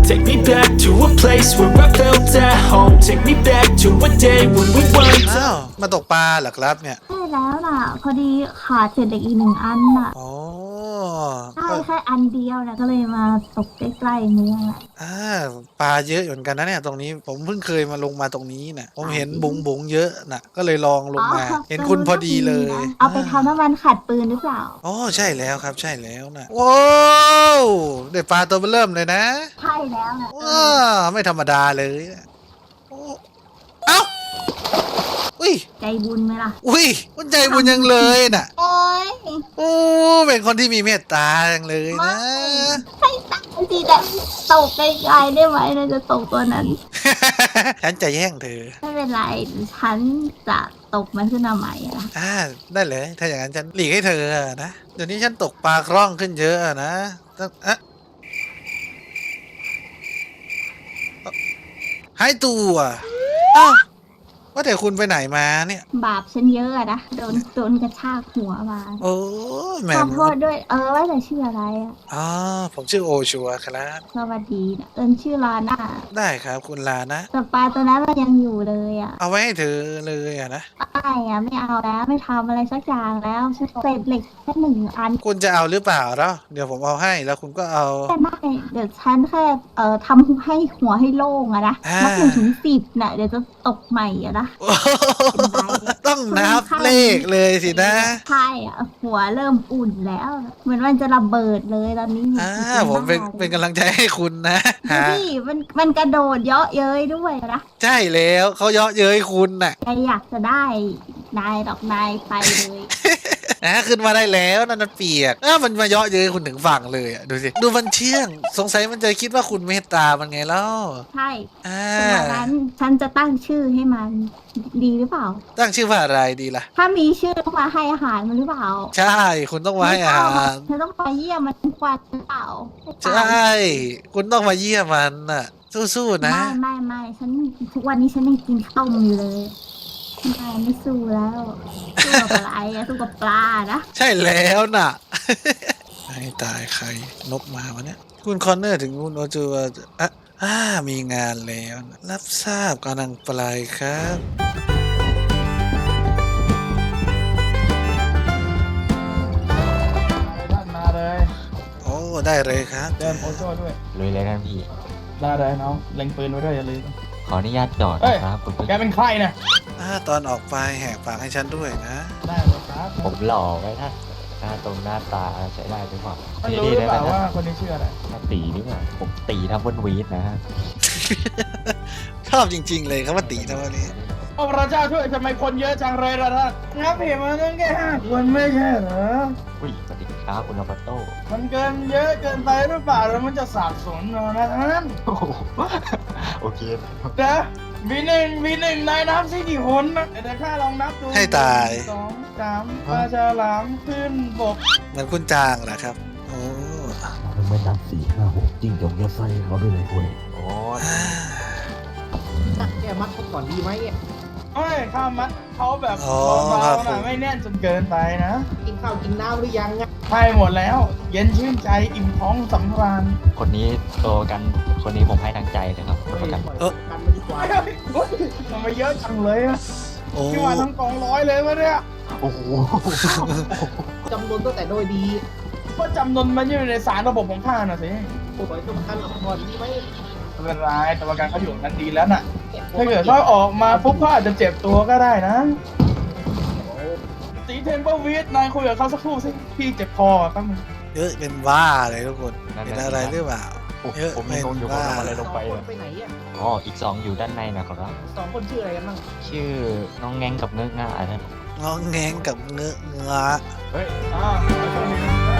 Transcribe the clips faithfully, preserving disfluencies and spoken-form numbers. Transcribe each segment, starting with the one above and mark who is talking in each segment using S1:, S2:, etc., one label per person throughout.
S1: Take me back to a place where I felt at home. Take me back to a day when we weren't.
S2: อ้าวมาตกปลาเหรอครับเนี่ย
S3: ใช่แล้วน่ะพอดีขาดเศษเหล็กอีกหนึ่งอันน่ะ
S2: อ๋อ
S3: ใช่แค่อันเดียวนะก็เลยมาตกใกล้ๆเมืองแหละ
S2: อ่าปลาเยอะอยู่เหมือนกันนะเนี่ยตรงนี้ผมเพิ่งเคยมาลงมาตรงนี้นะผมเห็นบุ๋งบุ๋งเยอะนะก็เลยลองลงมา เห็นคุณพอดีเลย
S3: เอาไปทำน้ำมันขัดปืนหรือเปล่า
S2: อ๋อใช่แล้วครับใช่แล้วนะว้าวได้ปลาตัวเริ่มเลยนะ
S3: ใช่แล้วนะ
S2: ว้าไม่ธรรมดาเลยนะโอ้เอ้าอุ้ย
S3: ใจบุญไหมล่ะ
S2: อุ้ยมันใจบุญยังเลยน่ะ
S3: โอ้ย
S2: โอ้เป็นคนที่มีเมตตาจังเลยนะ
S3: ให้ตั้งทีแต่ตกไกลๆได้ไหมเราจะตกตัวนั้น
S2: ฉันจะแย่งเธอ
S3: ไม่เป็นไรฉันจะตกมันขึ้นมาใหม่อะ
S2: อ่าได้เลยถ้าอย่างนั้นฉันหลีกให้เธอนะเดี๋ยวนี้ฉันตกปลาคล่องขึ้นเยอะนะต้องอะหายตัวอ้าวว่าแต่คุณไปไหนมาเนี่ย
S3: บาปฉันเยอะอะนะโดนโดนกระชากหัวมา
S2: โอ้ยแหม่
S3: ขอโทษด้วยเออว่าแต่ชื่ออะไรอะ
S2: อ๋อผมชื่อโอชัวครับ
S3: สวัสดีนะเอิญชื่อลาน่า
S2: ได้ครับคุณลานะ
S3: แต่ปลาตัวนั้นมันยังอยู่เลยอะ
S2: เอาไว้ให้เธอเลยอะนะ
S3: ไม่อะไม่เอาแล้วไม่ทำอะไรสักอย่างแล้วฉันเศษเหล็กแค่หนึ่งอัน
S2: คุณจะเอาหรือเปล่าเนาะเดี๋ยวผมเอาให้แล้วคุณก็เอา
S3: แต่ไม่เดี๋ยวฉันแค่เอ่อทำให้หัวให้โล่งอะนะ
S2: อ่า
S3: นับหนึ่งถึงสิบน่ะเดี๋ยวจะตกใหม่อะนะ
S2: ต้องนับเลขเลยสินะ
S3: ใช่อะหัวเริ่มอุ่นแล้ว เหมือนมันจะระเบิดเลยตอนนี้
S2: อ่าผมเป็นเป็นกำลังใจให้คุณนะ
S3: ดู
S2: ฮะ
S3: ดิมันมันกระโดดเยาะเย้ยด้วยนะ
S2: ใช่แล้วเขาเยาะเย้ยคุณน่ะ
S3: ใครอยากจะได้นายดอกนายไปเลย
S2: นะขึ้นมาได้แล้วนั่นมันเปียกอ้ามันมาเยาะเย้ยคุณถึงฝั่งเลยอ่ะดูสิดูมันเชื่องสงสัยมันจะคิดว่าคุณเมตตามันไงเล่า
S3: ใช่
S2: อ่า
S3: ดังนั้นฉันจะตั้งชื่อให้มันดีหรือเปล่า
S2: ตั้งชื่อว่าอะไรดีล่ะ
S3: ถ้ามีชื่อต้องมาให้อาหารมันหรือเปล่า
S2: ใช่คุณต้องมาให้อาหาร
S3: เธอต้องมาเยี่ยมมันทุกวันหรือเปล่า
S2: ใช่คุณต้องมาเยี่ยมมันน่ะสู้ๆนะ
S3: ไม่ไม่ไม่ฉันทุกวันนี้ฉันยังกินข้าวอยู่เลยไม่ไม่สู้แล้วสู้กับอะไรอะสู้กับปลานะ
S2: ใช่แล้วน่ะ ให้ตายใครนกมาวะเนี่ยคุณคอนเนอร์ถึงคุณโอจูอ่ะอ่ามีงานแล้วนะรับทราบกำลังปลายครับ
S4: ท่านมาเลย
S2: โอ้ได้เลยครับ
S4: เดินโอโจ้ด้วย
S5: ลุยเลยกันพี่
S4: ได้เลยน้องเล็งปืนไว้ด้วยอย่าลืม
S5: ขออนุญาตจอด
S4: เอ้ย
S5: นะครับคุณผู้
S4: แกเป็นใครนะ
S2: อ่าตอนออกไปแหกปากให้ฉันด้วยนะ
S4: ได้เลยครับ
S5: ผมหล่อไว้ท่านหน้าตรงหน้าตาใช้ได้หรือเปล่า
S4: ท่านรู้หรือเปล่าว่าคนนี้ชื่ออะไร
S5: หน้าตีหรือเปล่าผมตีทับเบิลวีดนะฮะ
S2: ชอบจริง ๆ เลยครับว่าตีนะวันนี้
S4: โอ้พระเจ้าช่วยทำไมคนเยอะจังเลยล่ะท่านงับเห็นมาตั้งแค่ห้าคนไม่ใช่เหรอ
S5: อุ้ยสวัสดีครับคุณอาปาโต้
S4: มันเกินเยอะเกินไปหรือเปล่าแล้วมันจะสับสนเรานะท่าน
S5: โอ้โหโอเค
S4: เดี๋ยววีหนึ่งวีหนึ่งนายนับสิกี่คนนะเดี๋ยวข้าลองนับดู
S2: ให้ตาย
S4: หนึ่งสองสามปลาฉลามขึ้นบก
S2: เหมือนคุณจางเหรอครับ โอ้
S6: ทำไมนับสี่ห้าหกจิ้งจกจะใส่เขาด้วยเลยเว้ย
S5: โอ้
S7: แกมัดเขาก่อนดีไหมเนี่ย
S4: เฮ้ยข้ามัดเขาแบบ
S2: อ๋อ
S4: เบา
S2: ครับ
S4: ๆ
S2: ผ
S4: นะ
S2: ม
S4: ไม่แน่นจนเกินไปนะ
S7: กินข้าวกินน้ำหรือยังเนี่ย
S4: ให้หมดแล้ว เย็นชื่นใจอิ่มท้องสำราญ
S5: คนนี้โตกันคนนี้ผมให้ทางใจเลยครับ
S7: เฮ้ย
S5: ประกัน
S7: ปล่อย
S2: เอ้อ
S7: กันมาดีกว่า
S4: เฮ้ยทำไมเยอะจังเลยอะ
S2: โอ้
S4: ที่ว่าทั้งกองร้อยเลยวะเนี่ย
S5: โอ้โห
S7: จำนวนตั้งแต่โดยดี
S4: ก็จำนวนมันอยู่ในสารระบบของข้าน่ะสิ
S7: ปล่อยตัวประกันออกก่อนดีไหม
S4: ไม่เป็นไรแต่ประกันเขาอยู่นั้นดีแล้วน่ะ ถ้าเกิดเขาออกมาปุ๊บเขาอาจจะเจ็บตัวก็ได้นะสีเทมเปอร์วีดนายคุยกับเขาสักครู่สิพี่เจ็บคอแป๊บนึง
S2: เยอะเป็นบ้าเลยทุกคนเป็นอะไรหรือเปล่า
S5: โอ้โห
S2: เยอะ
S5: ผม
S2: เป็
S5: ยัง
S2: น
S5: งงอยู่ผม
S2: บ้า
S5: ทำอะไรลงไป
S7: สองค
S5: อะ
S7: นไปไหนอ่ะ
S5: อ๋ออีกสองอยู่ด้านในนะครับ
S7: สองคนชื่ออะไรกันบ้าง
S5: ชื่อน้องแงงกับเงือกง่าท่าน
S2: งองแงงกับเงื้อเงื้อ
S4: เฮ้ยอ่าไปตรงนี้นะ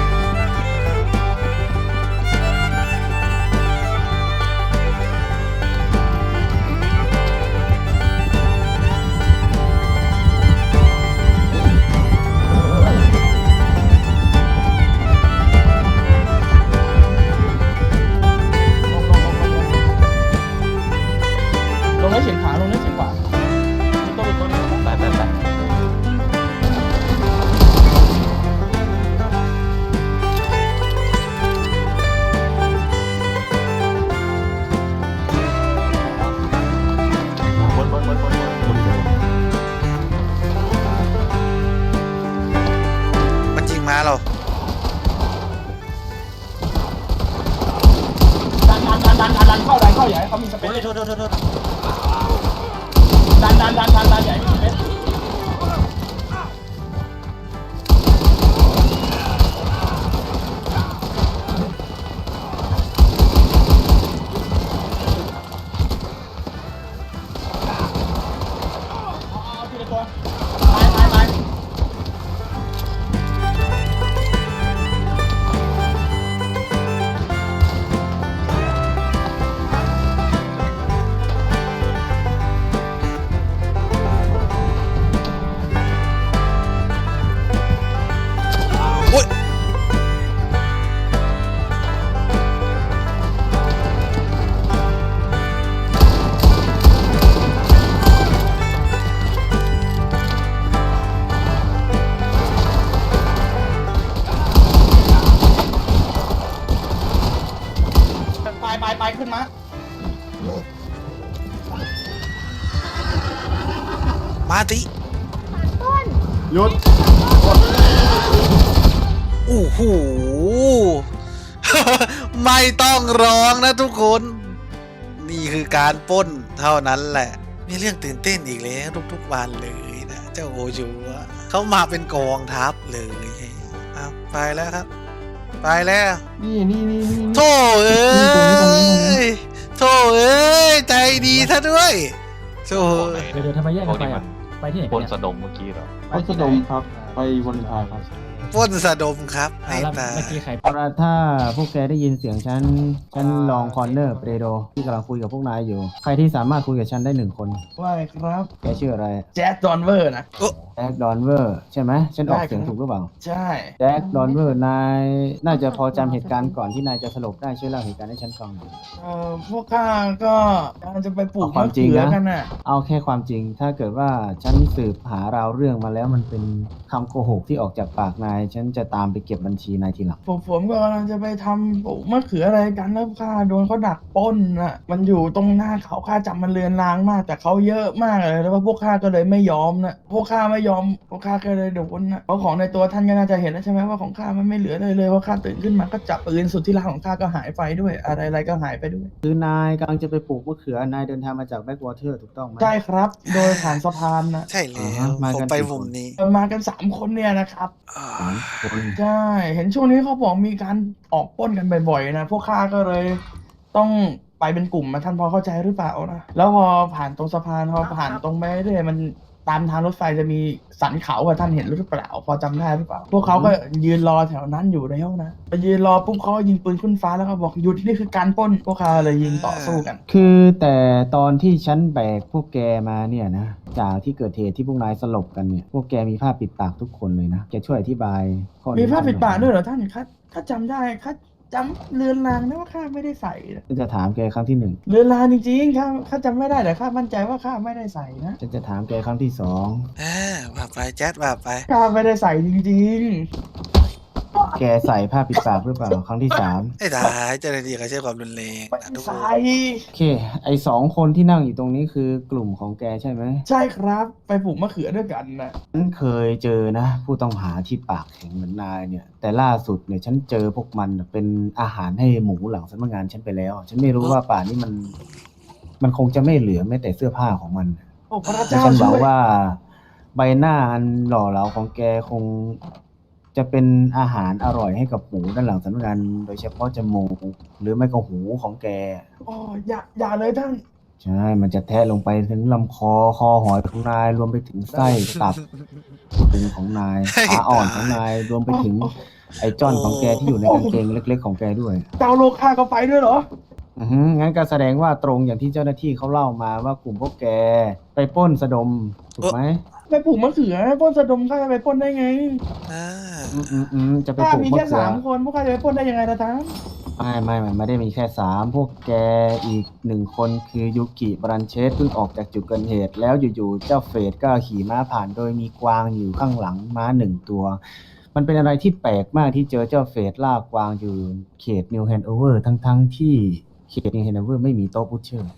S4: ลงแล้วเฉียงขวาลงแล้วเฉียงขวาตัวเป็นตัวนี้
S5: ไปไปไป
S4: ดันดันดันเข้าดันเข้าอย่าให้เขามีสเปซโทษโทษโทษดันดันดันดันดันอย่าให้มีสเปซไปไปขึ้นมา
S2: มาติ
S4: หยุด
S2: โอ้โห ไม่ต้องร้องนะทุกคน นี่คือการปล้นเท่านั้นแหละ มีเรื่องตื่นเต้นอีกแล้วทุกๆวันเลยนะ เจ้าโอจูอะเขามาเป็นกองทัพเลยเอาไปแล้วครับ ไปแล้ว
S4: นี่นี่นี่นี่
S2: โธ่เอ้ยโธ่เอ้ย ใจดีซะด้วยโธ่
S8: เดี๋ยวเดี๋ยวทำไมแยกกันไปอ่ะไปที่ไหน
S5: ป
S8: กัน
S5: น
S8: เนี่ย
S5: สะดมเมื่อกี้เหรอ
S4: พัสดมครับไปวันพายครับ
S2: ปล้นสะดมครับ
S8: อ่า
S2: ให้
S8: แล้ว
S2: ตาย
S8: เมื่อกี้ใคร
S9: เอาละถ้าพวกแกได้ยินเสียงฉัน ฉันลองคอนเนอร์เปโดที่กำลังคุยกับพวกนายอยู่ ใครที่สามารถคุยกับฉันได้หนึ่งคน
S4: ว่าไงครับ
S9: แกชื่ออะไร
S4: แจ๊ดดอนเวอร์นะ
S9: แจ็คดอนเวอร์ใช่ไหม ฉันออกเสียงถูกหรือเปล่า
S4: ใช่
S9: แจ็คดอนเวอร์นาย น่าจะพอจำเหตุการณ์ก่อนที่นายจะสลบได้ช่วยเล่าเหตุการณ์ให้ฉันฟังหน่อย
S4: เอ่อพวกข้าก็กำลังจะไปปลูก
S9: เอาความจริงนะ
S4: มะเขือกันน่ะ
S9: เอาแค่ความจริง ถ้าเกิดว่าฉันสืบหาราวเรื่องมาแล้วมันเป็นคำโกหกที่ออกจากปากนาย ฉันจะตามไปเก็บบัญชีนายทีหลัง
S4: ผมผมก็กำลังจะไปทำปลูกมะเขืออะไรกันแล้วข้าโดนเขาดักปล้นน่ะ มันอยู่ตรงหน้าเขาข้าจับมันเลือนลางมาก แต่เขาเยอะมากเลยแล้วว่าพวกข้าก็เลยไม่ยอมนะพวกข้าไม่ยอมพวกข้าก็เลยโดนนะเพราะของในตัวท่านก็น่าจะเห็นแล้วใช่ไหมว่าของข้ามันไม่เหลือเลยเลยเพราะข้าตื่นขึ้นมาก็จับปืนสุดที่รักของข้าก็หายไปด้วย อะไรอะไรก็หายไปด้วย
S9: คือนายกำลังจะไปปลูกมะเขือนายเดินทางมาจากแบ็กวอเตอร์ถูกต้องไหม
S4: ใช่ครับ โดยผ่านสะพานนะ
S2: ใช่แล้
S9: อ่า
S2: ว
S9: ฮะมา
S2: ผม
S9: กัน
S2: ไป
S9: กี่
S2: มุม
S9: คน
S2: นี้
S4: มากันสามคนเนี่ยนะครับ
S2: อ่า
S9: สามคน
S4: ใช่ เห็นช่วงนี้เขาบอกมีการออกปล้นกันบ่อยๆนะ พวกข้าก็เลยต้องไปเป็นกลุ่มมาท่านพอเข้าใจหรือเปล่านะ แล้วพอผ่านตรงสะพานพอผ่านตรงไปเรื่อยๆมันตามทางรถไฟจะมีสันเขาอะท่านเห็นหรือเปล่า พอจำได้หรือเปล่า พวกเขาก็ยืนรอแถวนั้นอยู่แล้วนะไปยืนรอปุ๊บเขาก็ยิงปืนขึ้นฟ้าแล้วก็บอกหยุดที่นี่คือการปล้น พวกเขาเลยยิงต่อสู้กัน
S9: คือแต่ตอนที่ฉันแบกพวกแกมาเนี่ยนะจากที่เกิดเหตุที่พวกนายสลบกันเนี่ยพวกแกมีผ้าปิดปากทุกคนเลยนะแกช่วยอธิบายข้อนี้
S4: มีผ้าปิดปาก
S9: ให้หน่อ
S4: ด้วยเหรอท่านข้าข้าจำได้ข้าจำเลือนลางนะว่าข้าไม่ได้ใส่นะ
S9: ฉันจะถามแกครั้งที่หนึ่ง
S4: เลือนลางจริงๆข้าข้าจำไม่ได้แต่ข้ามั่นใจว่าข้าไม่ได้ใส่นะ
S9: ฉันจะถามแกครั้งที่สอง
S2: อ่าว่าไปแจ๊ดว่าไป
S4: ข้าไม่ได้ใส่จริง
S9: แกใส่ผ้าปิดปากหรือเปล่าครั้งที่สาม
S2: ไอ้ตายเจ้าหน้าที่เขาใช้ความรุนแรง
S4: ๆไม่
S2: นะทุกค
S4: ใส่
S2: น
S9: โอเคไอสองคนที่นั่งอยู่ตรงนี้คือกลุ่มของแกใช่ไหม
S4: ใช่ครับไปปลูกมะเขือด้วยกันนะ
S9: ฉันเคยเจอนะ ผู้ต้องหาที่ปากแข็งเหมือนนายเนี่ย แต่ล่าสุดเนี่ยฉันเจอพวกมันเป็นอาหารให้หมูหลังสำนักงานฉันไปแล้ว ฉันไม่รู้ว่าป่านนี้มัน มันคงจะไม่เหลือแม้แต่เสื้อผ้าของมัน
S4: โอ้พระ
S9: แต่
S4: เจ้า
S9: ฉันห
S4: ช่
S9: วัง
S4: วย
S9: ว่าใบหน้าอันหล่อเหลาของแกคงจะเป็นอาหารอร่อยให้กับหมูด้านหลังสำนักงานโดยเฉพาะจมูกหรือไม่ก็หูของแก
S4: โอ้อย่าอย่าเลยท่าน
S9: ใช่ มันจะแทะลงไปถึงลำคอคอหอยของนายรวมไปถึงไส้ตับพุงของนายขาอ่อนของนายรวมไปถึงไอ้จ้อนของแกที่อยู่ในกางเกงเล็ก ๆ ของแกด้วย
S4: เจ้าโลกข้าก็ไปด้วยเหรอ
S9: อือฮึงั้นก็แสดงว่าตรงอย่างที่เจ้าหน้าที่เขาเล่ามาว่ากลุ่มพวกแกไปปล้นสะดมถูกไหม
S4: ไปปลูกมะเขือปล้นสะดมข้าจะไปปล้นได้ไง
S2: อ่า
S9: อืมอืมอืมจะไป
S4: ข้า
S9: ปลูก
S4: มี
S9: มะ
S4: แค่
S9: เขือ
S4: สามคนพวกข้าจะไปปล้นได้ยังไงล่ะท่าน
S9: ไม่ไม่ไม่ไม่ได้มีแค่สามพวกแกอีกหนึ่งคนคือยูกิบรันเชสเพิ่งออกจากจุดเกิดเหตุ แล้วอยู่ๆเจ้าเฟดก็ขี่ม้าผ่านโดยมีกวางอยู่ข้างหลังม้าหนึ่งตัว มันเป็นอะไรที่แปลกมากที่เจอเจ้าเฟดล่ากวางอยู่เขตนิวแฮนโอเวอร์ทั้งๆที่เขตนิวแฮนโอเวอร์ไม่มีโต๊ะพุชเชอร์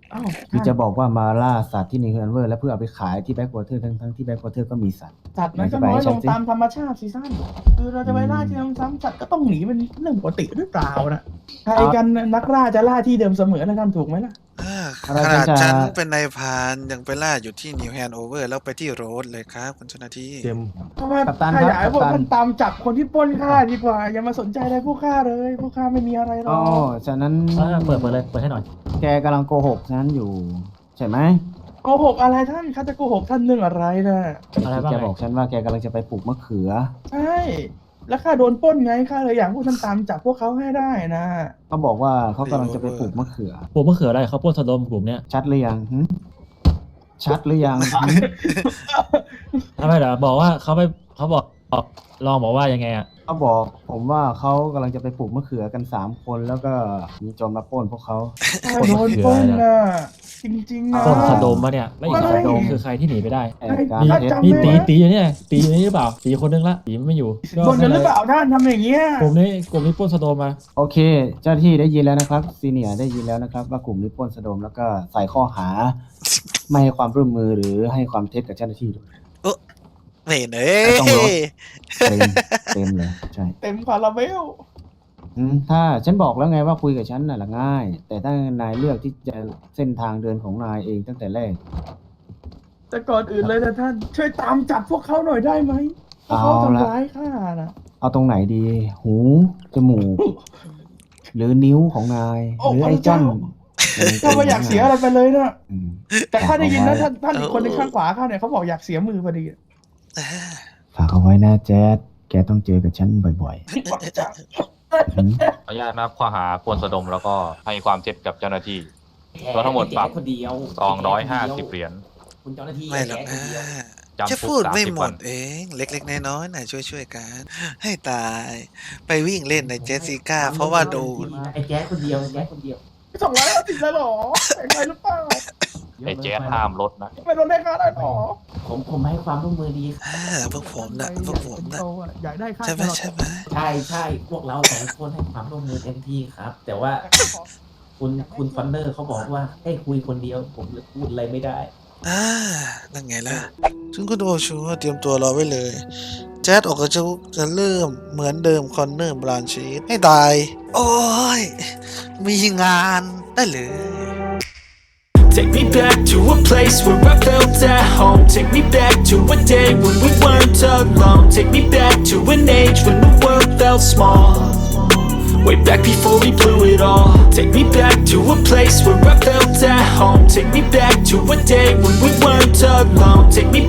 S4: อ้าว
S9: ที่จะบอกว่ามาล่าสัตว์ที่นิวแฮนเวอร์แล้วเพื่อเอาไปขายที่แบ็กวอเตอร์ทั้งทั้งๆที่แบ็กวอเตอร์ก็มีสัตว์
S4: สัตว์มันก็น้อยลงตามธรรมชาติซีซั่นคือเราจะไปล่าที่ซ้ำๆสัตว์ก็ต้องหนีเป็นเรื่องปกติหรือเปล่านะใครกันนักล่าจะล่าที่เดิมเสมอนะท่านถูกไหมล่ะ
S2: อ่า
S9: อะไร
S2: ขนาด
S9: จะ
S2: ฉันเป็นนายพรานยังไปล่าอยู่ที่นิวแฮนโอเวอร์แล้วไปที่โรดเลยครับคุณเจ้าหน้าที่
S6: เต็ม
S4: เพราะว่า
S9: กัปตัน
S4: ถ้า
S9: ครับ
S4: อยากให้พวก
S9: กัปตัน
S4: ท่านตามจับคนที่ปล้นข้าดีกว่า อย่ามาสนใจอะไรพวกข้าเลยพวกข้าไม่มีอะไรหร
S9: อ๋
S4: อ
S9: อก ฉะนั้น
S8: เออเปิดเปิดเลย เปิดให้หน่อย
S9: แกกำลังโกหกฉันอยู่ ใช่ไหม
S4: โกหกอะไรท่านข้าจะโกหกท่านเรื่องอะไรนะ
S8: อะไรบ้าง
S9: แก
S8: ไง
S9: บอกฉันว่าแกกำลังจะไปปลูกมะเขือ
S4: ใช่แล้วข้าโดนปล้นไงข้าเลยอยากให้พวกท่านตามจับพวกเขาให้ได้นะ
S9: เขาบอกว่าเขากำลังจะไปปลูกมะเขือ
S8: ปลูกมะเขืออะไรเขาปล้นสะดมกลุ่มเนี้ย
S9: ชัดหรือยังหึชัดหรือยังหึ
S8: ทำไมเหรอบอกว่าเขาไปเขาบอกบอกลองบอกว่ายังไงอ่ะ
S9: เขาบอกผมว่าเขากำลังจะไปปลูกมะเขือกันสามคนแล้วก็มีโจรมาปล้นพวกเขา
S4: ข้าโดนปล้นนะจริงๆนะ
S8: ปล้นสะดมมาเนี่ยแล้วอีกสอง
S4: ไม่
S8: คนคือใครที่หนีไปได้
S9: แอบการ
S8: มี
S9: เท็จ
S4: จำ
S8: มี
S4: ได้
S8: ตีตีอยู่เนี่ยตีอยู่นี่หรือเปล่าตีคนนึงละตีไม่อยู่
S4: โดนกันหรือเปล่าท่านทำอย่างเงี้ย
S8: กลุ่มนี้กลุ่มนี้ปล้นสะดมมา
S9: โอเค เจ้าหน้าที่ได้ยินแล้วนะครับซีเนียร์ได้ยินแล้วนะครับ ว่ากลุ่มนี้ปล้นสะดมแล้วก็ใส่ข้อหา ไม่ให้ความร่วมมือหรือให้ความเท็จกับเจ้าหน้าที่ด้วย
S2: ไม่เห็นเอ้
S9: ต้องรอ
S2: ย
S9: เต็มเต็มเลยใช่
S4: เต็มคาราเบล
S9: อืมถ้าฉันบอกแล้วไงว่าคุยกับฉันน่ะละง่าย แต่ถ้านายเลือกที่จะเส้นทางเดินของนายเองตั้งแต่แรก
S4: แต่ก่อนอื่นเลยนะท่านช่วยตามจับพวกเขาหน่อยได้ไหมพวกเขา
S9: เอาละ
S4: ทำร้ายข้านะ
S9: เอาตรงไหนดี หูจมูก หรือนิ้วของนาย หรือไอ้จ้อน
S4: ข้าไม่อยากเสียอะไรไปเลยนะ
S9: อืม
S4: แต่ข้าได้ยินนะ
S9: ฝาก
S4: ท่าน
S9: เอาไว้
S4: ท่านอีกคนในข้างขวาข้าเนี่ยเขาบอกอยากเสียมือพอดี
S9: ฝากเอาไว้นะแจ๊ดแกต้องเจอกับฉันบ่อย
S4: บอกจะ
S9: ๆอืม
S10: ขออนุญาตนะครับข้อหาปล้นสะดมแล้วก็ให้ความเท็จกับเจ้าหน้าที่รวมทั้งหมดปรับ
S5: คนเดียว
S10: สองร้อยห้าสิบเหรียญ
S5: คุณเจ้าหน้าที่
S2: ไม่หรอก
S5: แกค
S2: นะ
S5: นเดียว
S10: จำคุก
S2: จะพูดไม่
S10: สามสิบ
S2: หม
S10: วั
S2: ด
S10: น
S2: เอง เล็กๆน้อยๆน่ะช่วยๆกัน ให้ตาย ไปวิ่งเล่นในเจสสิก้า เพราะว่าโดน
S5: ไอ้แจ๊คคนเดียวไอ้แจ๊คคนเดียว
S4: สองร้อยห้าสิบเลยเหรอแพงไปหรือเปล่า
S10: ไอ้แจ๊สห้ามรถนะ
S4: ไม่ลดให้ข้าได้หรอ
S5: ผมผมให้ความร่วมมือดี
S2: อ่าพวกผมนะพวกผมนะ
S4: อยากได้ค่า
S2: ใช่ไหม
S4: ตลอด
S2: ใช่ไหม
S5: ใช่ใช่พวกเราสองคนให้ความร่วมมือเต็มที่ครับ แต่ว่าคุณคุณฟอนเนอร์เขาบอกว่าให้คุยคนเดียว ผมเลยพูดอะไรไม่ได้
S2: อ่านั่นไงล่ะซึ่งคุณโอชูเตรียมตัวรอไว้เลย แจ๊ดออกกระจุกจะเริ่มเหมือนเดิมคอนเนอร์บรานชีสให้ตาย โอ้ย มีงานได้เลย
S1: Take me back to a place where I felt at home. Take me back to a day when we weren't alone. Take me back to an age when the world felt small. Way back before we blew it all. Take me back to a place where I felt at home. Take me back to a day when we weren't alone. Take me